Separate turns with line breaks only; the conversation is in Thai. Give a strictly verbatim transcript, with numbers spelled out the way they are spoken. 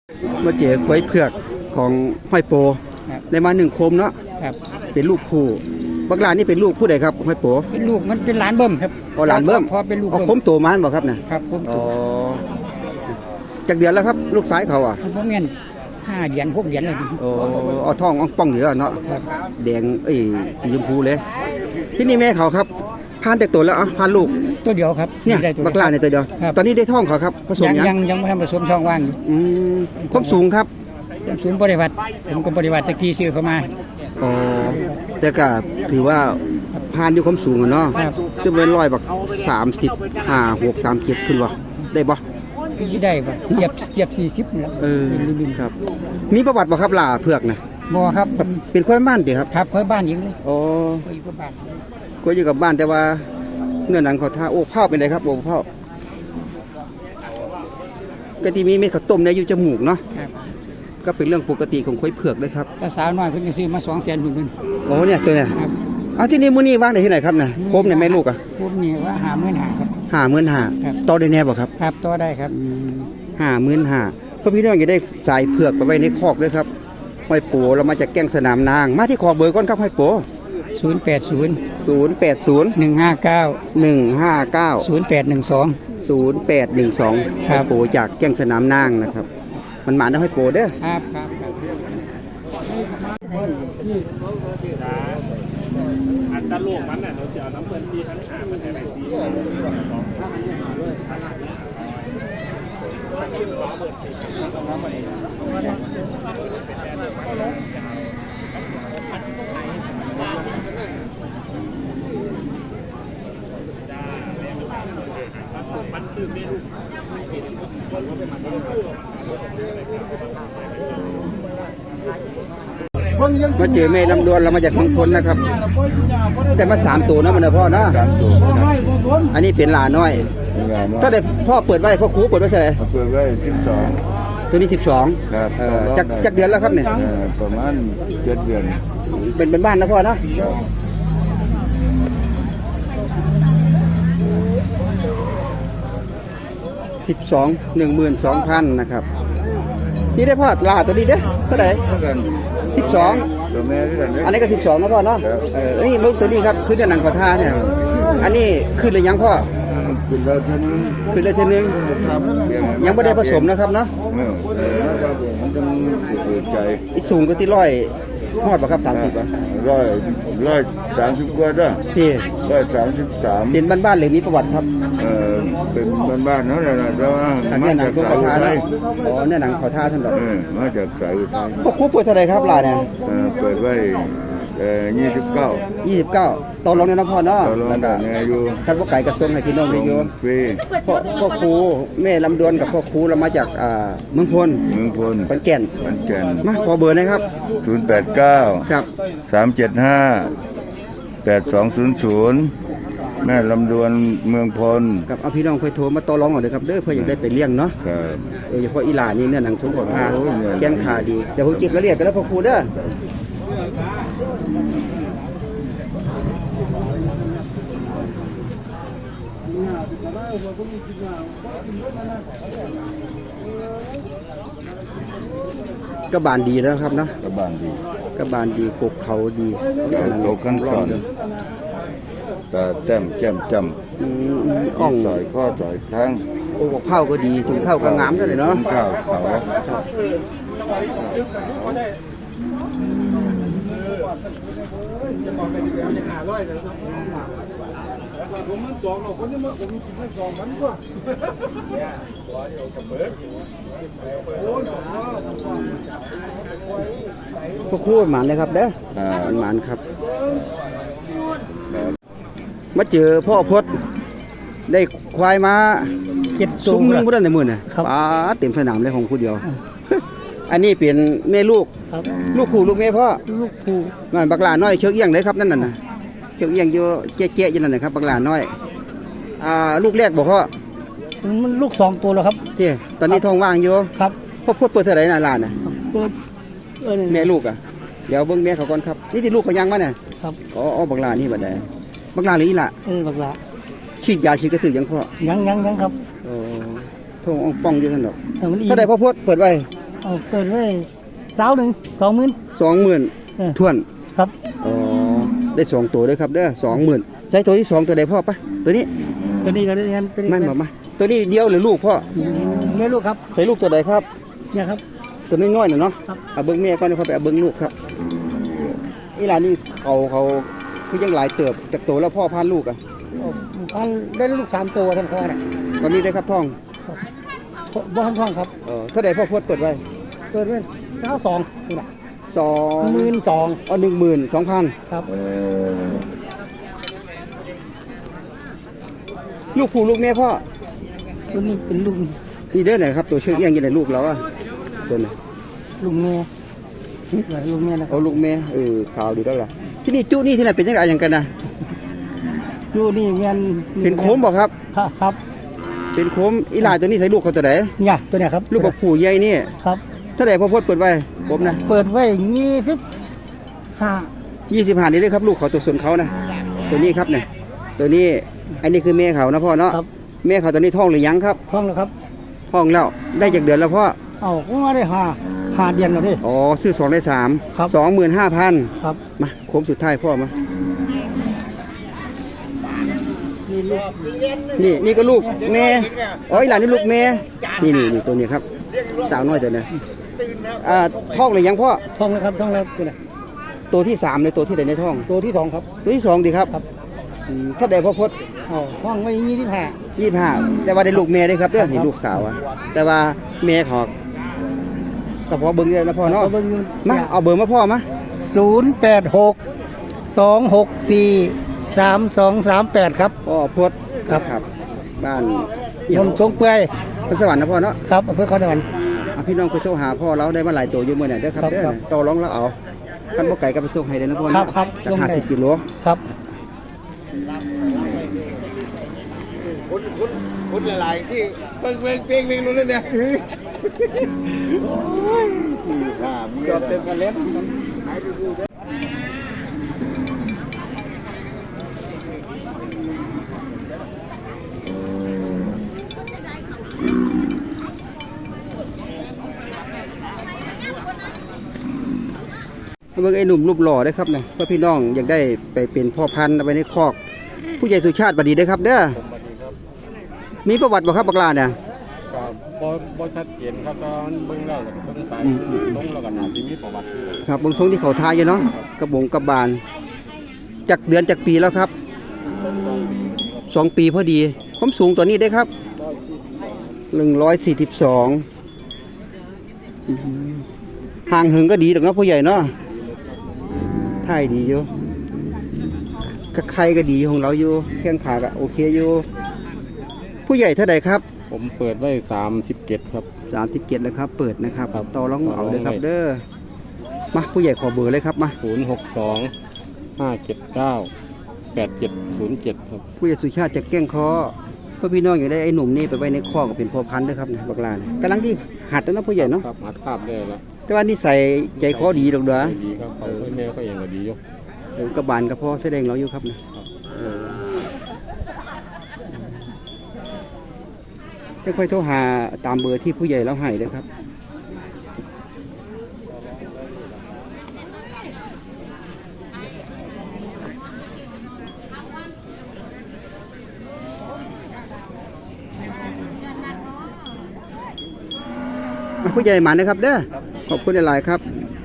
มาเจอควายเผือกของห้อยโปได้มาหนึ่งโคมเนาะเป็นลูกผู้บักหลานนี่เป็นลูกผู้ใดครับห้อยโป
เป็นลูกมันเป็นหลานเบิ่มครับ
อ๋อหลานเบิ่ม
พอเป็นลูก
อ๋อโคมโตมันบ่ครับน่ะ
ครับโคมโต
อ๋อจากเดือนแล้วครับลูกสายเขาอ่ะ
บ่แม่นห้าเดือนหกเดือนเลย
โอ้เอาท้องอ่องป่องอยู่แล้วเนาะแดงเอ้ยสีชมพูเลยที่นี่แม่เขาครับพานแต่ตัวแล้วอ่ะพานลูก
ตัวเดียวครับ
เนี่ยบักหลานในตัวเดียวตอนนี้ได้ท้องเขาครับผสม
ยังยังยังไม่ทำผสมช่องว่างอยู่
อืมความสูงครับ
ความสูงบริวัติผมก็บริวัติตะกี้ซื้อเข้ามา
อ๋อแต่ก็ถือว่าพานอยู่ความสูงอ่ะเนาะจะเป็นร้อยบักสามสิบห้าหกสามเจ็ดขึ้นวะได้บ่
ที่ได้บ่เกียบเกียบสี่สิบแล้ว
เออครับมีประวัติบ่ครับหล่าเผือกนะ
บ่ครับ
เป็นควายบ้านติครับ
ครับควายบ้านยิงเลย
อ๋อควายอยู่กับบ้านแต่ว่าเนื้อหนังเขาท่าโอ้ข้าวเป็นไรครับโอ้ข้าวกะทิมีเม็ดข้าวต้มในอยู่จมูกเนาะก็เป็นเรื่องปกติของควายเผือกเลยครับ
ถ้าสาวน้อยเพิ่นจะซื้อมาสองแสนเพิ่น
โอ้เนี่ยตัวเนี่ยเอาที่นี่มื้อนี้วางได้ที่ไหนครับน่ะโคมเนี่ยแม่ลูกอ่ะ
โคมนี่ว่าห้าหมื่นห้าครับ
ห้าหมื่นห้าต่อได้แน่บ่ครับ
ครับต่อได้ครับ
ห้าหมื่นห้าเพื่อพี่น้องจะได้สายเผือกไปไว้ในคอกด้วยครับห้อยโปเรามาจากแก้งสนามนางมาที่คอเบอร์ก่อนครับห้อยโป
ศูนย์แปดศูนย์
ศูนย์แปดศูนย์
หนึ่งห้าเก้า
หนึ่งห้าเก้า
ศูนย์แปดหนึ่งสอง
ศูนย์แปดหนึ่งสองห้อยโปจากแก้งสนามนางนะครับมันหมาได้ห้อยโปเด้อ
ครับครับ
อันตะโลกมันน่ะเราจะเอาน้ำเพิ่นซีพันหามันให้ไปซีมันคือเมนู
มาเจอแม่ลำดวนเรามาจากเมืองพลนะครับแต่มาสามตัวนะมันนะพ่อนะอันนี้เป็นหลาน้อยถ้าได้พ่อเปิดไว้พ่อครูเปิดไว้เท่าไหร่
เปิดไว้สิบสอง
ตัวนี้สิบสองจากจากเดือนแล้วครับเนี่ย
ประมาณเจ็ดเดือน
เป็นเป็นบ้านนะพ่อนะสิบสองหนึ่งหมื่นสองพันนะครับนี่ได้พ่อลาตัวนี้เด้เท่าไหร่สิบสองอันนี้ก็สิบสองนะพ่อเนาะเออนี่ลูกตัวนี้ครับคือเดือนหนังขอทาเนี่ยอันนี้ขึ้นเลยยังพ่อ
ขึ้นแล้วเท่านึง
ขึ้นแล้วเท่านึงยังไม่ได้ผสมนะครับเนาะ
มันจะเปิดใจ
อีสูงก็ที่ร้อยหอดป่ะครับสามสิบป่ะ
ร้อยร้อยสามสิบกว่าด้วย
พี่
ร้อยสามสิบสาม
เป็นบ้านบ้านเลยมีประวัติครับ
เออเป็นบ้านบ้านนั่นแหละแต่ว่า
มาจากสายอุทัยอ๋อเนี่ยหนังขอท่าท่านหรอ
มาจากสายอุทัย
พวกคู่เปิดเท่าไรครับลาเนี่ย
เปิดไว้ยี่สิบเก้า
ยี่สิบเก้าตอนลงในน้ำพ่อเนาะ
แล้วก็อยู่
ท่านพ่อไก่กระทรวงให้พี่น้องได้อยู่พ่อพ่อครูแม่ลำดวนกับพ่อครูเรามาจากเมืองพล
เมืองพล
ขอนแก่น
ขอนแก่น
มาขอเบอร์นะครับ
ศูนย์แปดเก้า
ครับ
สามเจ็ดห้าแปดสองศูนย์ศูนย์แม่ลำดวนเมืองพล
กับเอาพี่น้องค่อยโทรมาต่อรองก่อนเลยครับเด้อเพื่ออยากได้ไปเลี้ยงเนาะ
ครับ
โดยเฉพาะอีหลานี่เนี่ยหนังสงขลาแกงขาดีเดี๋ยวผมจิกกระเรียกกันแล้วพ่อครูเด้อก็บานดีแล้วครับนะ
ก็บานดี
ก็บานดีกบเขาดี
โตขั้นตอนแต่แต้มแก้มจำอ่องสอยข้อสอยทั้ง
โอ้ข้าวก็ดีถุงข้าวก็งามด้วยเนาะ
ข้าวเขา
ผมมันสองเราคนนี้มาผมกินไม่สองมันก็
พวกคู่หมานเลยครับเด้อหมานครับมาเจอพ่อพดได้ควายมา
เจ็ด
ซุ้มนึงก็ได้ในมือเนี่ยป้าเต็มสนามเลยของคู่เดียวอันนี้เป็นแม่ลูกลูกคู่ลูกแม่พ่อ
ลูกคู่
นั่นบักหลาน้อยเชือกเอี้ยงเลยครับนั่นน่ะเชือกเอี้ยงอยู่เจ๊ๆอยู่นั่นนะครับบักหลาน้อยอ่าลูกแรกบอกพ่อ
มันลูกสองตัวแล้วครับ
ที่ตอนนี้ท้องว่างอยู่
ครับ
พ่อพูดเปิดเท่าไหร่น่ะหลานน่ะแม่ลูกอ่ะเดี๋ยวเบิ้งแม่เขาก่อนครับนี่ที่ลูกเขายังมาเนี่ย
ครับ
อ๋อบักหลานี่บัดใดบักหลาหรืออีหล่ะ
เออบักหลา
ฉีดยาฉีดกระตือยังพ่อ
ยังยังยังครับ
โอ้ท้องป่องอยู่นั่นหรอกถ้าได้พ่อพูดเปิดไว้
เอาเปิดไว้สาวหนึ่งสองหมื่น
สองหมื่น
เออ
ทวน
ครับ
อ๋อได้สองตัวเลยครับเด้อสองหมื่นใช้ตัวที่สองตัวใดพ่อปะตัวนี้
ตัวนี้ก็ได้กันตัวนี้
ไม่บอกมาตัวนี้เดียวหรือลูกพ่อ
ไม่รู้ครับ
ใช้ลูกตัวใดครับ
เนี่ยครับ
ตัวน้อยๆน่ะเนาะ
ครับ
เอาเบิ้งแม่ก่อนเดี๋ยวเขาไปเอาเบิ้งลูกครับอีหลานนี่เขาเขาคือยังหลายเติบจากตัวแล้วพ่อพานลูกอ่ะ
พันได้ลูกสามตัวท่านพ่อเนี่ย
ตอนนี้ได้ครับท่อง
บ้านท่องครับ
เออเท่าใดพ่อพดเปิดไว้
เปิดไว้เก้าสองนี่แหละ
สอง
หมื่นสอง
อ๋อหนึ่งหมื่นสองพัน
ครับ
ลูกผู้ลูกแม่พ่อ
ตัวนี้เป็นลุง
นี่เด้อไหนครับตัวเชือกเอี้ยงอยังไงลูกเราอ่ะตัวไหน
ลุงแม่ลุงแม่นะครั
เอา
บ
ลูกแม่เออขาวดีแล้วล่ะที่นี่จุนี่ที่ไหนเป็นยังไงอย่างกันนะ
อยู่นี่แม่น
เป็นโค้มบ่ครับ
ครับครับ
เป็นโค้มอีหลานตัวนี้ใส่ลูกเขาตัวไหน
เนี่ยตัวเนี้ยครับ
ลูกบักผู้ใหญ่นี่
ครับ
เท่าไหร่พ่อพดเปิดไว้ผมนะ
เปิดไว้ยี่สิบห้า
ยี่สิบห้านี่เลยครับลูกเขาตัวส่วนเขานะตัวนี้ครับเนี่ยตัวนี้อันนี้คือแม่เขานะพ่อเนาะ
ครับ
แม่เขาตอนนี้ท้องหรือยังครับ
ท่องแล้วครับ
ท้องแล้วได้จากเดือนแล้วพ่อ
เอาก็มาได้ห้าห้าเดือนแล้วดิ
อ๋อซื้อสองได้สาม
ครับ
สองหมื่นห้าพัน
ครับ
มาโค้งสุดท้ายพ่อมา
นี่ลูก
นี่นี่ก็ลูกแม่อ๋ออีหลานนี่ลูกแม่นี่นี่นี่ตัวนี้ครับสาวน้อยตัวนี้อ่าท้องหรือยังพ่อ
ท่องแล้วครับท่องแล้วตัวไหน
ตัวที่สามเลยตัวที่ไหนในท้อง
ตัวที่สองครับ
ตัวที่สองดีครับ
ครับ
อืมถ้าได้พ่อพด
เอาท่องไว้ยี่สิบห้า
ยี่สิบห้าแต่ว่าได้ลูกแม่ได้ครับเด้อนี่ลูกสาวอะแต่ว่าแม่เขอก็พอเบิ่งได้แล้วพ่อเนาะ
เบิ่งอยู่
มาเอาเบอร์มาพ่อมา
ศูนย์แปดหกสองหกสี่สามสองสามแปดครับ
พ่อพด
ครับ
ครับ บ้าน
นนทรงเปื่อย
พระสวรรค์นะพ่อเนาะ
ครับอำเภอเขาตะวัน
อ่ะพี่น้องไปโทรหาพ่อเราได้มาหลายตัวอยู่มื้อนี้เด้อครับ
ครับ
เด้อ
ครับ
ต่อรองแล้วเอาคันบ่ไก่ก็ไปส่งให้ได้นะพ่อ
ครั
เนาะ
บครับ
จาก
ลงได้
ห้าสิบกิโล
ครับ
คนคนคนหลายๆที่เบิ่งเบิ่งเป่งเป่งรู้เลยเนี่ยข้ามี
จอบเต็มกันเล็บเบิ่งไอ้หนุ่มรูปหล่อได้ครับเนี่ยเพื่อพี่น้องอยากได้ไปเป็นพ่อพันธุ์เอาไว้ในคอก ผู้ใหญ่สุชาติบัดดีได้อครับเด้อมีประวัติบ่ครับบักลาเนี่ย
ก็บ่บ่ชัดเจนครับตอนเบิ่งแล้วก็เบิ่งสายลงแล้วก็น่าสิมีประวัติอยู่
ครับเบางทรงที่เขาทายอยู่เนาะกระบงกระบาลจากเดือนจากปีแล้วครับสองปีพอดีความสูงตัวนี้ได้ครับหนึ่งร้อยสี่สิบสองห่างหึงก็ดีดอกเนาะผู้ใหญ่เนาะท่ายดีอยู่กระไข่ก็ดีของเราอยู่แข้งขาก็โอเคอยู่ผู้ใหญ่เท่าใดครับ
ผมเปิดไว้สามสิบเจ็ดครับ
สามสิบเจ็ดแล้วครับ เปิดนะครับ
ครับ
ต่อรองเอาเลยครับ
ต่อรองไว้
เด้อมาผู้ใหญ่ขอเบอร์เลยครับมา
ศูนย์หกสองห้าเจ็ดเก้าแปดเจ็ดศูนย์เจ็ดครับ
ผู้ใหญ่สุชาติจะแกล้งคอเพื่อพี่น้องอยากได้ไอ้หนุ่มนี่ไปไว้ในคอกเป็นพ่อพันธุ์ด้วยครับบักลานกำลังที่หัดแล้วเนาะผู้ใหญ่เนาะ
ครับหัดคาบได้แล้ว
แต่ว่านี่ใส่ใจคอดีดอกเด้อ
ดีครับเขาให้แม่ก็ยังก็ดีอยู่
เดี๋ยวกระบาลกระเพาะแสดงเราอยู่ครับนะเออค่อยๆโทรหาตามเบอร์ที่ผู้ใหญ่เราให้เลยครับผู้ใหญ่หมานะครับเด้อขอบคุณหลายๆครับ